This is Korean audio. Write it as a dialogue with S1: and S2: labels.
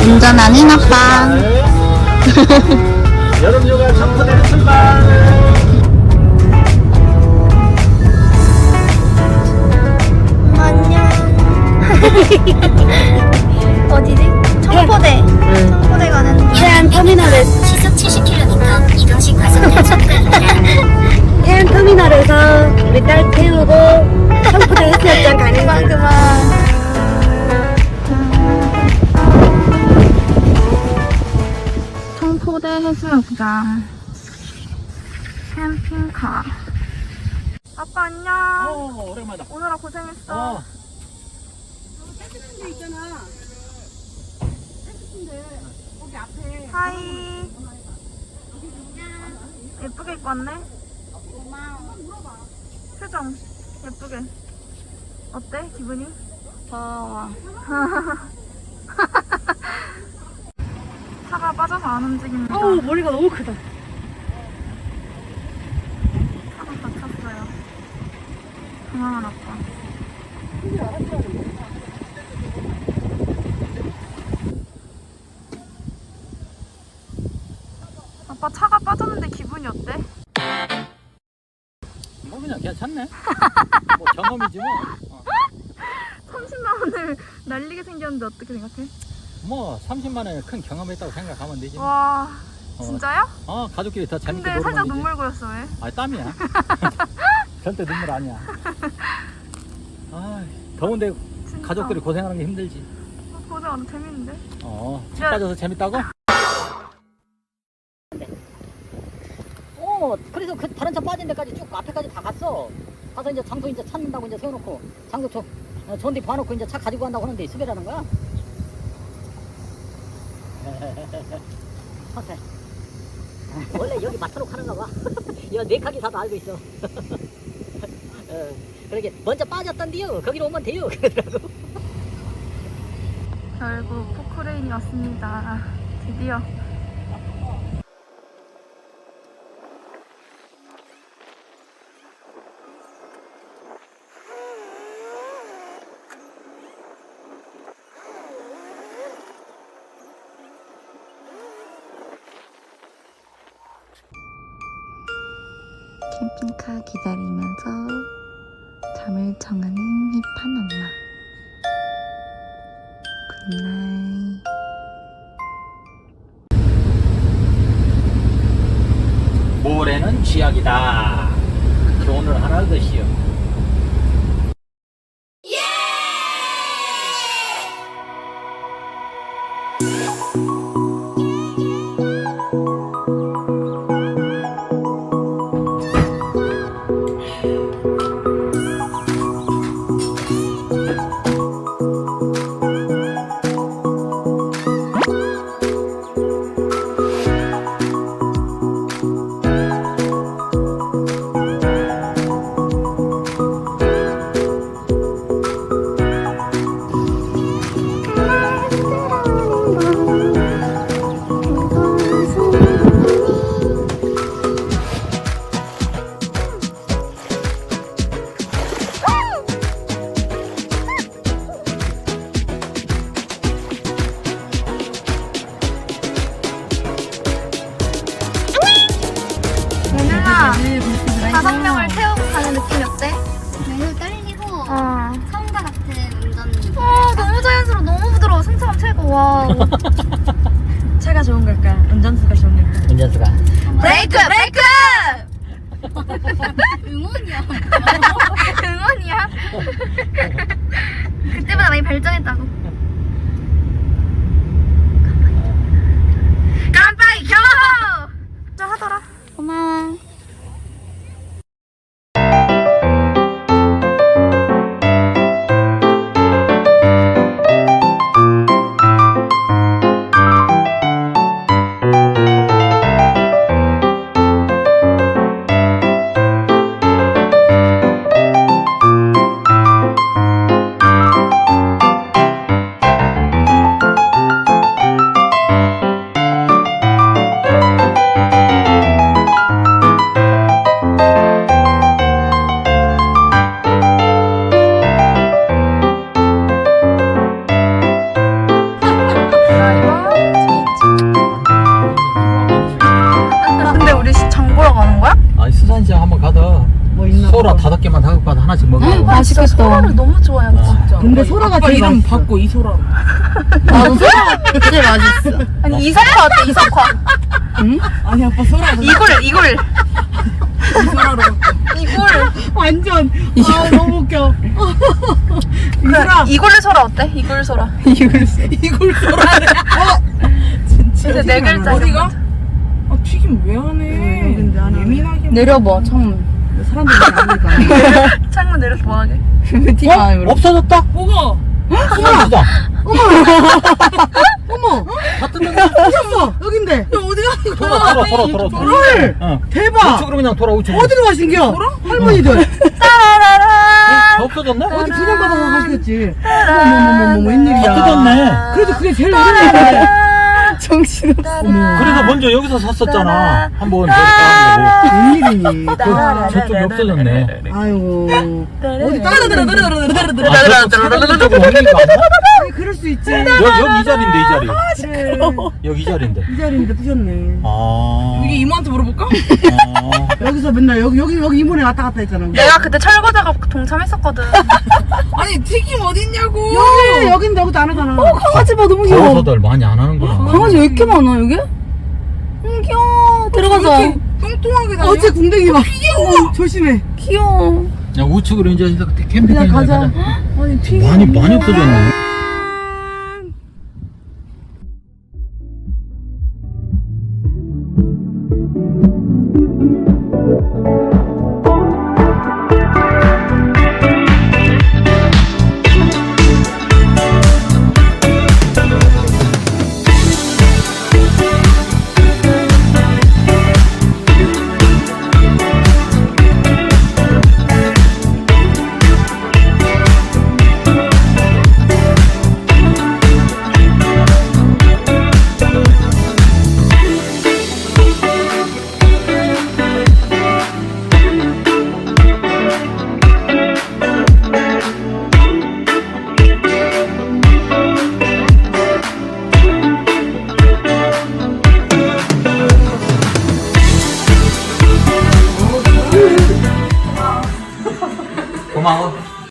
S1: 운전하는 아빠.
S2: 여름휴가 청포대로 출발.
S1: 안녕. 어디지? 청포대. 청포대 가는 중.
S3: 해안 터미널에서
S4: 시속 70km 이동식 과속단 접근입니다.
S3: 해안 터미널에서 우리 딸 태우고 청포대 해수욕장 가는
S1: 그만
S3: 거.
S1: 그만. 청포대 해수욕장. 캠핑카. 아빠 안녕.
S2: 오랜만이다.
S1: 오느라 고생했어. 하이. 예쁘게 입고 왔네. 표정 예쁘게. 어때 기분이?
S3: 더워.
S1: 차가 빠져서 안 움직입니다.
S3: 어우, 머리가 너무 크다.
S1: 차가 다쳤어요. 당황한 아빠. 아빠 차가 빠졌는데 기분이 어때?
S2: 뭐 그냥 괜찮네. 뭐 경험이지 뭐.
S1: 30만 원을 날리게 생겼는데 어떻게 생각해?
S2: 뭐 30만 원에 큰 경험했다고 생각하면 되지. 뭐.
S1: 와 진짜요?
S2: 가족끼리 더 재밌게
S1: 근데
S2: 놀면
S1: 살짝
S2: 되지.
S1: 눈물 고였어 왜?
S2: 아 땀이야. 절대 눈물 아니야. 아 더운데
S1: 진짜.
S2: 가족끼리 고생하는 게 힘들지.
S1: 고생 안 재밌는데?
S2: 차 빠져서 재밌다고?
S5: 그래서 그 다른 차 빠진 데까지 쭉 앞에까지 다 갔어. 가서 이제 장소 이제 찾는다고 이제 세워놓고 장소 좋은 데 봐놓고 이제 차 가지고 간다고 하는데 수배라는 거야. 허세. 원래 여기 마타로 가는가 봐. 야, 네카기 사도 알고 있어. 그러게 먼저 빠졌던데요. 거기로 오면 돼요. 그러더라고.
S1: 결국 포크레인이 왔습니다. 드디어. 캠핑카 기다리면서 잠을 청하는 힙한 엄마. 굿나잇.
S2: 모래는 쥐약이다. 교훈을 하나 얻으시오.
S1: 얘들아, 5명을 태우고 가는 느낌이 어때?
S4: 매우 떨리고
S1: 어.
S4: 처음과 같은 운전.
S1: 너무 자연스러워, 너무 부드러워. 승차감 최고. 와.
S3: 차가 좋은 걸까? 운전수가 좋은 걸까?
S2: 운전수가.
S1: 브레이크! 브레이크!
S4: 응원이야.
S1: 응원이야? 그때보다 많이 발전했다고. 깜빡이 켜! 좀 하더라.
S4: 고마워.
S2: 받아.
S3: 뭐 있나
S2: 소라
S3: 봐.
S2: 5개만 다 받아 하나씩 먹어.
S1: 아, 진짜 소라를 너무 좋아해요, 진짜.
S3: 근데 소라가 제일
S6: 이름
S3: 맛있어.
S6: 바꿔 이소라.
S1: 나도 소라 제일 맛있어. 아니, 이석화 어때, 이석화?
S6: 아니 아빠 소라.
S1: 이걸.
S6: 이소라로 바꿔.
S1: 이걸.
S3: 완전 아 너무 웃겨.
S1: 이걸 소라 어때? 이걸 소라.
S6: 이걸 소라래.
S1: 근데 네 글자.
S6: 어디가? 아 튀김 왜 안 해?
S3: 여긴데 안 하네.
S6: 예민하게.
S1: 내려봐, 창문.
S3: 사람들이 아니까.
S1: 창문 내려서 뭐하게?
S2: 없어졌다?
S6: 뭐가?
S2: 없어졌다.
S3: 어머
S2: 다 뜯었네.
S3: 오셨어 여긴데.
S6: 야 어디 가는 거야?
S2: 돌아.
S3: 헐
S2: 응.
S3: 대박.
S2: 우측으로 그냥 돌아, 우측으로.
S3: 어디로 가신겨? 할머니들
S2: 다 없어졌네?
S3: 어디 분양받아서 가시겠지. 어머머머머 웬일이야.
S2: 다 뜯었네.
S3: 그래도 그게 제일 오래됐네.
S1: 정신없어.
S2: 그래서 먼저 여기서 샀었잖아. 한번 저기 따라보고.
S3: 웬일이니.
S2: 저쪽이 없어졌네.
S3: 아이고 어디
S6: 들어.
S2: 아, 저쪽으로 옮긴 거 아니야?
S3: 아니 그럴 수 있지.
S2: 여기 이 자리인데, 이 자리. 여기 이 자리인데.
S3: 이 자리인데 부셨네.
S2: 아.
S6: 이게 이모한테 물어볼까?
S3: 여기서 맨날 여기 이모네 왔다 갔다 했잖아.
S1: 내가 그때 철거자가 동참했었거든.
S6: 아니 튀김 어딨냐고.
S3: 여긴데 여기도 안 하잖아.
S1: 강아지 봐, 너무 귀여워.
S2: 가워서들 많이 안 하는구나.
S1: 강아지 왜 이렇게 많아, 여기? 귀여워. 들어가자.
S6: 이렇게 뚱뚱하게 다녀.
S3: 어째 궁뎅이 봐. 조심해.
S1: 귀여워.
S2: 야, 우측으로 이제 캠핑
S3: 그냥 가자.
S6: 아니 튀김.
S2: 많이 없어졌네.